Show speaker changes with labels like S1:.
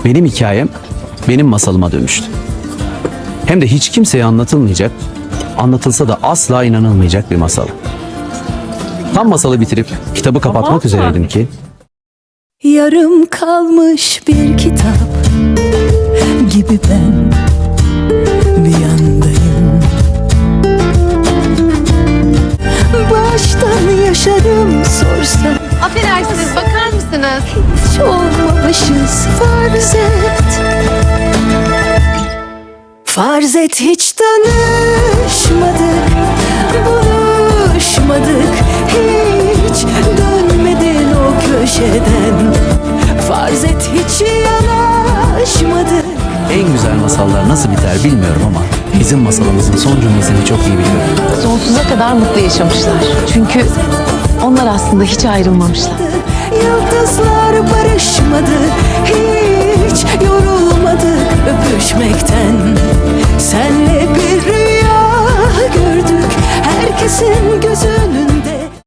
S1: benim hikayem benim masalıma dönüştü. Hem de hiç kimseye anlatılmayacak, anlatılsa da asla inanılmayacak bir masal. Tam masalı bitirip kitabı kapatmak üzereydim ki
S2: yarım kalmış bir kitap gibi ben bir yandayım. Baştan yaşarım sorsam,
S3: Affedersiniz, bakar mısınız?
S2: hiç olmamışız farz et. Farz et hiç tanışmadık, buluşmadık, hiç dönmedin o köşeden. Farz et hiç yanaşmadık.
S1: en güzel masallar nasıl biter bilmiyorum ama bizim masalımızın son cümlesini çok iyi biliyorum.
S3: Sonsuza kadar mutlu yaşamışlar. Çünkü onlar aslında hiç ayrılmamışlar.
S2: Yıldızlar barışmadı, hiç yorulmadık öpüşmekten. Senle bir rüya gördük, herkesin gözü